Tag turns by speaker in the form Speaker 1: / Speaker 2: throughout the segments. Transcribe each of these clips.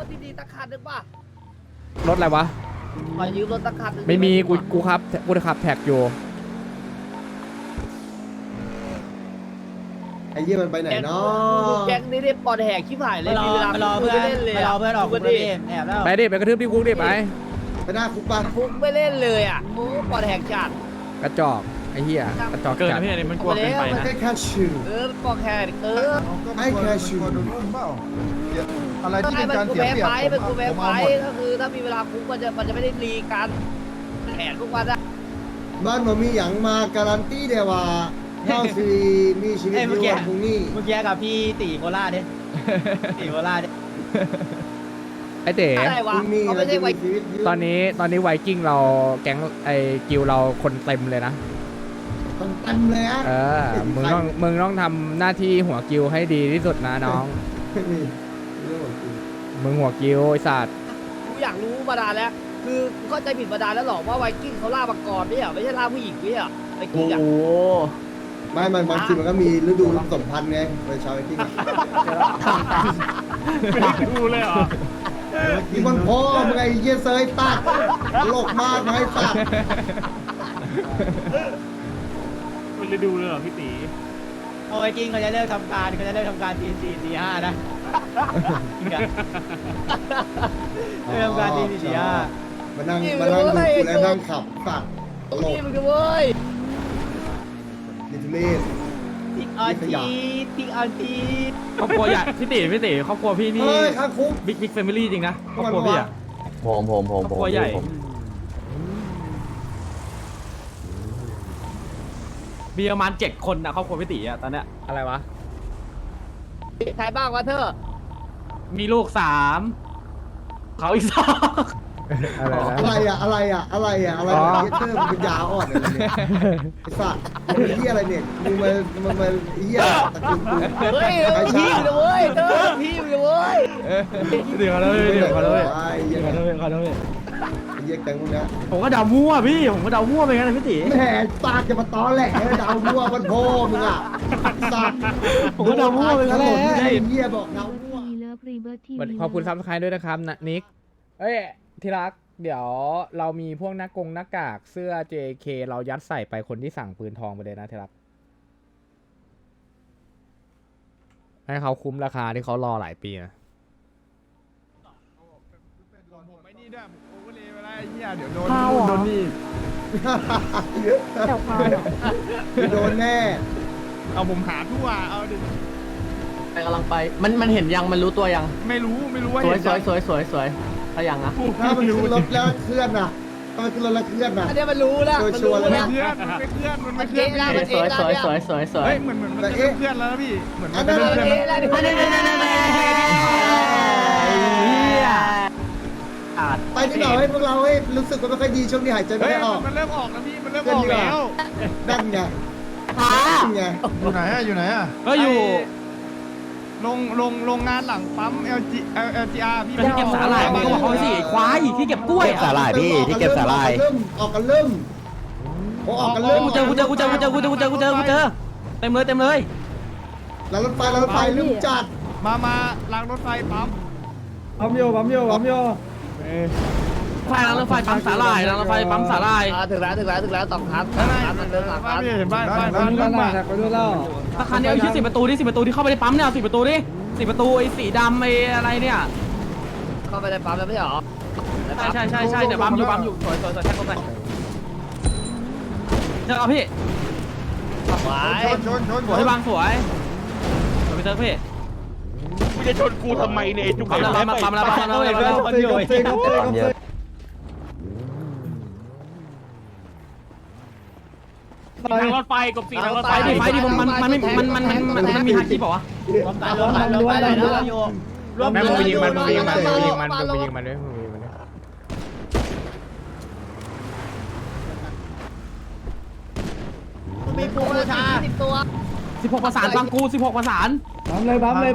Speaker 1: ถดีๆตะคันนึงป่ะ
Speaker 2: รถอะไรวะ
Speaker 1: ขอยืมรถตะคันนึง
Speaker 2: ไม่มีกูขับแท็กอยู่
Speaker 3: ไอ้เหี้ยมันไปไหนเนาะ
Speaker 1: แก๊งนี้ได้ปอดแหกชิบหายเลยมีเวลารอเพื่อนเล่นเลย
Speaker 4: รอเพื่อนออกคุกเลยพี่แอบแล้ว
Speaker 2: ไปดิไปกระทืบที่คุกดิไป
Speaker 3: ไปหน้าคุกปะ
Speaker 1: คุกไม่เล่นเลยอ่ะโอ้ปอดแหกจัด
Speaker 2: กระจอกไอ้เหี้ยกระจอก
Speaker 5: เกิน
Speaker 2: จัด
Speaker 5: นะพี่อันนี้มันกลัวเกินไป
Speaker 3: ไม่
Speaker 5: นะ
Speaker 3: ใช่แค่ชื่อ
Speaker 1: ปอดแหก
Speaker 3: ไอ้แค่ชื่อ
Speaker 6: อะไรที่
Speaker 1: ใช่
Speaker 6: เป็น
Speaker 1: มัน
Speaker 6: การ
Speaker 1: กู
Speaker 6: เสีย
Speaker 1: แพ้
Speaker 6: เปรียบ
Speaker 1: ไฟมันกูแพ้
Speaker 6: ผม
Speaker 1: ไฟ
Speaker 6: เอาหมด
Speaker 1: ก็คือถ้ามีเวลาคุกมันจะไม่ได้รีกันแผนทุกวันอะ
Speaker 3: บ้านมันมีอย่างมาการันตีเดียวว่าเท่าสิมีชีวิตอยู่วันพรุ่งนี้
Speaker 4: เมื่อกี้กับพี่ตีโคราชเนี่ยตีโคราชเนี่ย
Speaker 2: ไอ้เต๋
Speaker 1: อะไร
Speaker 3: พ
Speaker 1: วะ
Speaker 3: รุ่งนี้
Speaker 1: เขา
Speaker 3: เรา
Speaker 1: ไม่ใช่
Speaker 3: จะ
Speaker 1: ไว
Speaker 3: มีชีวิตอยู่
Speaker 2: ตอนนี้ไวกิ้งเราแก๊งไอ้กิลเราคนเต็มเลยนะ
Speaker 3: ต้องเต็มเลยอะ
Speaker 2: เออมึงต้องทำหน้าที่หัวกิลให้ดีที่สุดนะน้อง
Speaker 3: ไม่มีเรื่องของกู
Speaker 2: มึงหัวกิลไอ้สัตว์
Speaker 1: กูอยากรู้มานานแล้ว คือกูเข้าใจผิดมานานแล้วหรอกว่าไวกิ้งเขาล่ามังกรไม่ใช่เหรอไม่ใช่ล่าผู้หญิงไม่ใช่เหรอไวกิ้งอะ
Speaker 3: ไม่มันบางทีมันก็มีฤดูสมพันธ์ไงเป็นชาวไอ้ที่
Speaker 5: ไม่ดูเลยเหรอ
Speaker 3: ที่มันพ่อมึงไอ้เหี้ยเซยตัดโลกมากไอ้สัตว์
Speaker 5: มันจะดูเลยเหรอพี่ตี
Speaker 4: เอาไอ้จริงเขาจะเลิกทำการตีสี่ตีห้านะจริงอะเลิกทำการตีสี่ตีห้า
Speaker 3: มานั่งดูกูแล้วนั่งขับสัตว์ตลก
Speaker 1: นี่มึงก็เว้ย
Speaker 3: ดิทุเรศ
Speaker 4: ติ๊กออนที
Speaker 5: ครอบครัวใหญ่พี่ตีครอบครัวพี่นี่
Speaker 3: เฮ้ยข้างคุก
Speaker 5: บิ๊กแฟมิลี่จริงนะครอบครัวพี่อะ
Speaker 7: ผม
Speaker 5: ครอบครัวใหญ่มีประมาณ7 คนนะครอบครัวพี่ตีอะตอนเนี้ย
Speaker 2: อะไรวะ
Speaker 1: ใครบ้างวะเธอ
Speaker 5: มีลูก3เขาอีก2
Speaker 2: อะไรนะ
Speaker 3: อะไรเหี้ยเชื่อมึงเป็นยาอ่อนอะไรเนี่ยไอ้สัตว์มึงเหี้ยอะไรเนี่ยมึงมาเหี้ยตะกุนกู
Speaker 1: เฮ้ยพี่มึงนะเว้ยเธอพี่มึงนะเว้ย
Speaker 5: เดี๋ยวขอโทษ
Speaker 3: ไอ้เหี้ย
Speaker 5: ขอโทษ
Speaker 3: ไอ้เหี้ยแกงมึงนะ
Speaker 5: ผมก็เดามั่วพี่ผมก็เดามั่วไปงั้นนะพี่ตี
Speaker 3: แหมปากจะมาตอแหลดาวมั่วมันโพมึงอ่ะสัตว์
Speaker 5: ผมก็เดามั่วไปงั้นแหละ
Speaker 3: ไอ้เหี้ยบอกดาวมั่ว
Speaker 2: ขอบคุณซับสไครต์ด้วยนะครับนะนิกเอ้ยที่รักเดี๋ยวเรามีพวกหน้ากากเสื้อ JK เรายัดใส่ไปคนที่สั่งปืนทองไปเลยนะที่รักให้เขาคุ้มราคาที่เขารอหลายปีนะ
Speaker 6: ผมไม่นี่ด้วยผมโอเวอร์เลยไปแล้วไอ้เหี้ยเดี๋ยวโดน
Speaker 5: โดนนี่
Speaker 3: โดนแน่
Speaker 6: เอาผมหาทั่วเอาดิ
Speaker 4: ไปกำลังไปมันเห็นยังมันรู้ตัวยัง
Speaker 6: ไม่รู้ว่า
Speaker 4: สวย
Speaker 6: เห็น
Speaker 4: สวยสวยสวยสวยถ้ายังนะ
Speaker 3: ถ้ามันขึ้นรถแล้วเคลื่อนน่ะถ้ามันขึ้นรถแล้วเคลื่อนน่ะ
Speaker 1: อันนี้มันรู้แล้วมันรู้
Speaker 6: มัน
Speaker 1: แล้ว
Speaker 6: ไม่เคลื่อนมันไม่เคลื่อนมันไม่เคลื่อน
Speaker 1: มัน
Speaker 4: สวยสวยสวยสวยสวย
Speaker 6: เฮ้ยเหมือนมันจะเคลื่อนแล้วนะพี่เหมือน
Speaker 3: อั
Speaker 6: มัน น
Speaker 3: นั้
Speaker 6: จะ
Speaker 3: น
Speaker 6: เคลื่อนแล้ว
Speaker 3: ไปที่ไหนให้พวกเราให้รู้สึกว่าไม่ค่อยดีช่วงนี้หายใจไม่
Speaker 6: เฮ้ย
Speaker 3: ได้ออก
Speaker 6: มันเริ่มออกแล้วพี่มันเริ่มออกแล้ว
Speaker 3: นั่นไงนั่นไง
Speaker 6: อยู่ไหนอะอยู่ไหนอะ
Speaker 5: ก็อยู่
Speaker 6: โรงงานหลังปั๊ม LGR พี่
Speaker 5: ที่เก็บสาหร่ายมึงก็บอกเขาสิไอ้ควายที่เก็บกล้วย
Speaker 7: เก็บสาหร่ายพี่ที่เก็บสาหร่าย
Speaker 3: ออกกันเริ่มออกกันเริ่ม
Speaker 5: กูเจอเต็มเลย
Speaker 3: แล้วรถไฟเริ่มจัด
Speaker 6: มาล้างรถไฟปั๊ม
Speaker 5: ไฟล้างรถไฟปั๊มสาหร่ายล้างรถไฟปั๊มสาหร่าย
Speaker 1: ถึงแล้ว2 ครั้ง มันเดิน3 ครั้ง
Speaker 6: พี่เห็นบ้าน
Speaker 5: ถ้าคันนี้เอาที่10 ประตูที่10 ประตูที่เข้าไปในปั๊มเนี่ย10 ประตูดิ10 ประตูไอ้สีดำไอ้อะไรเนี่ย
Speaker 1: เข้าไปในปั๊มแล้วไม่ใช่หรอ
Speaker 5: ใช่เดี๋ยวปั๊มอยู่สวยแท็กเข้าไปเจอเอาพี่
Speaker 1: ไว้
Speaker 6: ชน
Speaker 5: สวยบางสวยไปเจอพี่
Speaker 7: มึงจะชนกูทำไมเนี่ยจุก
Speaker 5: ปั๊มแล้วทางรถไฟกบสีทางรถไฟดิมันมีฮาคิบอกว่า
Speaker 2: แม่มึงไปยิงมันด้วยมึงไปยิงมันด้วย
Speaker 1: มีปูชา10 ตัว
Speaker 5: 16 ประสานบางกู16 ประสาน
Speaker 3: แบก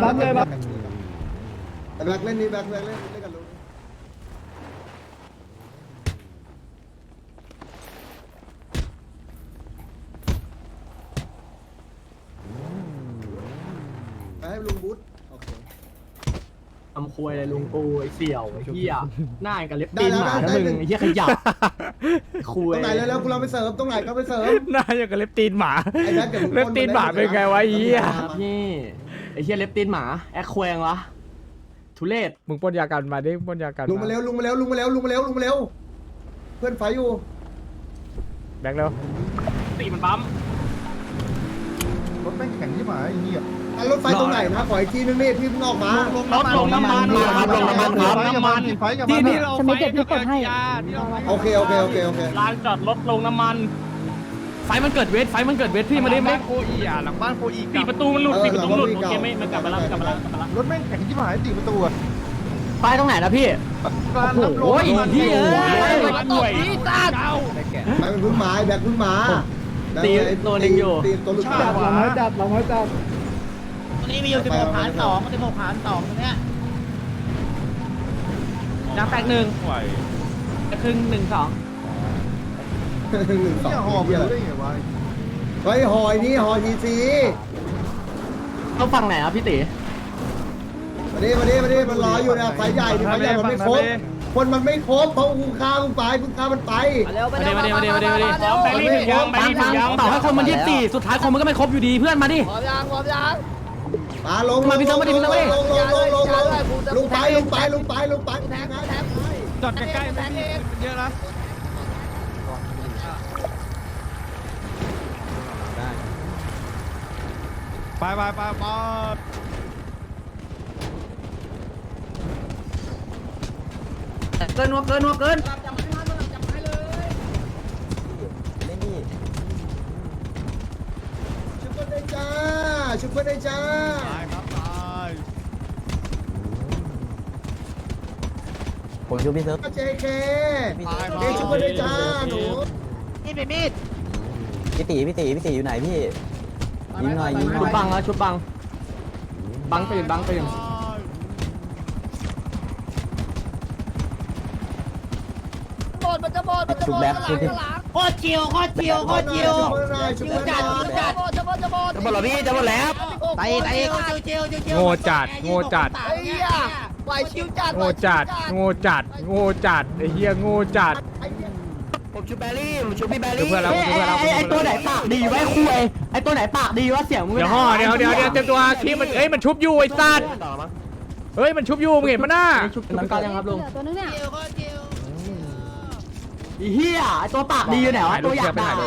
Speaker 3: เล่นนี่แบกเล่นกันลูกให้ลุงบุ๊ทโอเค
Speaker 4: ทำโค
Speaker 5: คุยอะไรลุงกูไอ้เสี่ยวไอ้เหี้ยหน้ากับเล็บตีนหมานะมึงไอ้เหี้ยขยะคุย
Speaker 3: ตรงไหนแล้วกูเราไปเสริมตรงไหนก็ไปเสริม
Speaker 2: หน้าอย่างกับเล็บตีนหมา
Speaker 3: ไอ้แบ๊กเดี๋ยวมึง
Speaker 2: เล็บตีนหมาเป็นไงวะไอ้เหี้ย
Speaker 5: พี่ไอ้เหี้ยเล็บตีนหมาแอคแควงวะทุเรศ
Speaker 2: มึงปล้นยากันมาดิปล้นยากัน
Speaker 3: ลุงมาเร็วลุงมาเร็วลุงมาเร็วลุงมาเร็วลุงมาเร็วเพื่อนไฟอยู่
Speaker 2: แบงค์เร็ว
Speaker 5: ตีมันปั๊ม
Speaker 6: รถแม่งแข็งที่หมายไอ้เหี้ย
Speaker 3: รถไฟตรงไหนนะขออีกทีนึงนี่พี่มึงออกมา
Speaker 5: ลงน้ำมันครับลงน้ำมันครับน้ำมัน
Speaker 6: ไฟกับ
Speaker 5: ที่
Speaker 6: มัน
Speaker 5: นี่เรา
Speaker 8: จะไม่เก็บที่กดให้
Speaker 3: โอเคโอเคโอเคโอเค
Speaker 5: ลานจอดรถลงน้ำมันไฟมันเกิดเวทไฟมันเกิดเวทพี่มาดิมาดิ
Speaker 6: โคอีหลังบ้านโคอี
Speaker 5: ปิดประตูมันหลุดปิดประตูมันหลุดโอเคไม่มันกลับมาแล้วกลับมาแล้ว
Speaker 6: รถแม่งแข็งที่หมายตีประตูอะ
Speaker 5: ไฟตรงไหนนะพี่
Speaker 6: การรับล
Speaker 5: โอ้ยพี่เอ้ย
Speaker 1: ตบพี่ตา
Speaker 3: ไปเป็นพึ่งไม้แบกพึ่งมาตีตัวลูกตา
Speaker 2: เราไม่จับเราไม่จับ
Speaker 4: ตรงนี้มีอยู่16 หาร 2 16 หาร 2 ตรงเนี้ย
Speaker 5: ยางแตกหนึ่งครึ่ง1 2
Speaker 3: 1 2
Speaker 6: เนี่ยหอบรู้ได้ไงวะ
Speaker 3: เฮ้ยหอยนี่หอยทีซี
Speaker 5: ต้องฝั่งไหนครับพี่ตี
Speaker 3: มาดิมาดิมาดิมันรออยู่นะไฟใหญ่ไฟใหญ่มันไม่ครบคนมันไม่ครบเพราะกูฆ่ามึงไปมึงฆ่ามันไป
Speaker 1: เร็วไปเร็ว
Speaker 5: มาต่อให้คนมัน24สุดท้ายคนมันก็ไม่ครบอยู่ดีเพื่อนมาดิ
Speaker 1: พร้อมยังพร้อมยัง
Speaker 3: มาลงลงไปแทง
Speaker 6: จอดใกล้ๆไม่มีเยอะนะไปไปไปไป
Speaker 5: เกินวัวเกินวัวเกิน
Speaker 3: ชุบได้จ้าชุบได้จ้า
Speaker 6: ตายครับตาย
Speaker 3: เจเค
Speaker 6: ตาย
Speaker 3: เอชุบได้จ้าหนู
Speaker 4: นี่เป็นมีด
Speaker 9: พี่ตีอยู่ไหนพี่ยิงหน่อยยิงหน่
Speaker 5: ชุ
Speaker 9: อบ ย
Speaker 5: บังแล้วชุบบังตื่นบังตื่น
Speaker 1: หมดมันจะหมดมันจะหมดหลัง
Speaker 4: โคตรชิวโคตรชิวโคตรชิว
Speaker 3: ชุบ
Speaker 1: จะ
Speaker 3: ได้
Speaker 1: จัดจะหมดจะหมด
Speaker 5: จะหมดแล้วพี่จะหมดแล้ว
Speaker 4: ไปอีกไปอีกชิวชิว
Speaker 2: โง่จัดโง่จัด
Speaker 1: ไอ้เหี้ยไหวชิวจัด
Speaker 2: โง่จัดโง่จัดโง่จัดไอ้เหี้ยโง่จัด
Speaker 5: ผมชูแบรี่ผมชูพี่แบ
Speaker 2: ดู
Speaker 5: รี่
Speaker 2: เพื่อนเราดูเพื่อนเรา
Speaker 5: ไอตัวไหนปากดีไว้คุยไอตัวไหนปากดีวะเสียงมึง
Speaker 2: เดี๋ยวห่อเดี๋ยวเต็มตัวคลิปมันเอ้ยมันชุบอยู่ไอ้สัตว์เฮ้ยมันชุบอยู่มึงเห็นปะหน้า
Speaker 5: ชุบน้ำตาลยังครับลุง
Speaker 8: ตัวนึงเนี่ย
Speaker 4: ชิวโคตรชิว
Speaker 5: ไอ้เหี้ยไอตัวปากดีอยู่ไหนวะตัวอยากด่า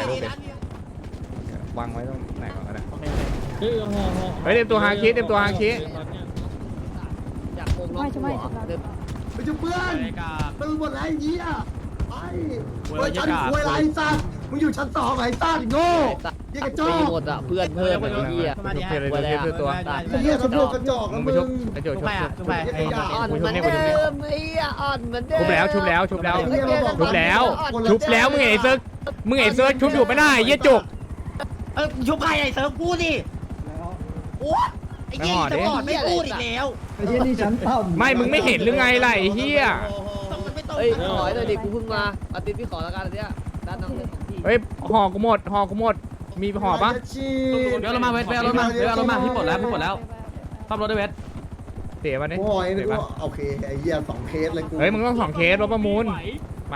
Speaker 2: วางไว้ตรงไหนก่อนก็ได้เฮ้ยเต็มตัวฮาคิเต็มตัวฮาคิ
Speaker 1: อยากโกงน้องหัว
Speaker 3: ไปชุบเพื่อนมันหมดแล้วไอ้เหี้ยไปชั้นควยไรสัตว์มึงอยู่ชั้น2ไอ้สัตว์โง่ยี่กระจอ
Speaker 1: ตี
Speaker 3: ก
Speaker 1: หมดอ่ะเพื่อนเพิ่มไอ้เหี้ย
Speaker 2: ชุบเพื่อนเลยชุบตัว
Speaker 3: ไอ้เหี้ยสำรวจกระจอก
Speaker 2: มึ
Speaker 3: นะ
Speaker 2: งไป
Speaker 3: มึ
Speaker 2: ชุบ
Speaker 3: ง
Speaker 2: ไอ้โจชุบ
Speaker 1: อ่อนเหมือนเดิมไอ้เหี้ยอ่อนเหมือนเดิม
Speaker 2: ชุบแล้วชุบแล้วชุบแล้วชุบแล้วมึงเห็นไอ้เซิร์ชชุบอยู่ปะหน้าไอ้เหี้ยจุก
Speaker 4: ชุบใครไอ้เซิร์ฟกูดิโอ้ไอ้เหี้ยจะบอกไม่พูดอีกแล้ว
Speaker 2: ไม่มึงไม่เห็นหรือไงล่ะไอ้เหี้ย
Speaker 1: เฮ้ยขอหน่อยดิกูเพิ่งมาปฏิพี่ขอแล้วกันอันเนี้ยด้านน้องเลยของพี่
Speaker 2: เฮ้ยห่อกูหมดมีห่อปะ
Speaker 5: เดี๋ยวเรามาเวทเดี๋ยวเรามาพี่ปลดแล้วซ่อมรถด้วยเวท
Speaker 2: เสียมาดิ
Speaker 3: โอ้ยนี่ก็โอเคไอ้เหี้ย2เคสเลยกู
Speaker 2: เฮ้ยมึงต้อง2เคสรถประมูลไป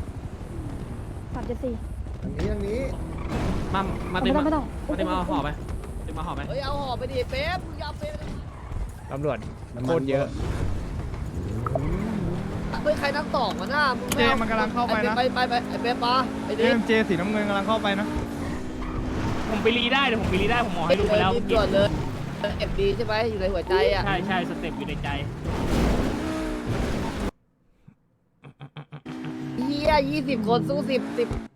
Speaker 8: 374
Speaker 3: อย่างนี้
Speaker 5: มาเต็ม
Speaker 8: ไม่ต้อง
Speaker 5: มาห่อไปเต็มมาห่อไป
Speaker 1: เฮ้ยเอาห่อไปดิเป๊ปมึงยอมเป๊ป
Speaker 2: ตำรวจโคตรเยอะ
Speaker 1: เฮ้ยใครนั่งตอกมาหน้ามึง
Speaker 6: เจมันกำลังเข้าไปนะ
Speaker 1: ไปไอ้เป๊ปปะไอ้
Speaker 6: เจ
Speaker 1: ดิ
Speaker 6: มเจสีน้ำเงินกำลังเข้าไปนะ
Speaker 5: ผมไปรีได้เดี๋ยวผมไปรีได้ผมหมอให้ดูไปแล้ว
Speaker 1: รีบด่วนเลยเอ็มดีใช่ไหมอยู่ในหัวใจอ่ะ
Speaker 5: ใช่สเต็ปอยู่ในใจ
Speaker 1: เฮีย20 คนสู้10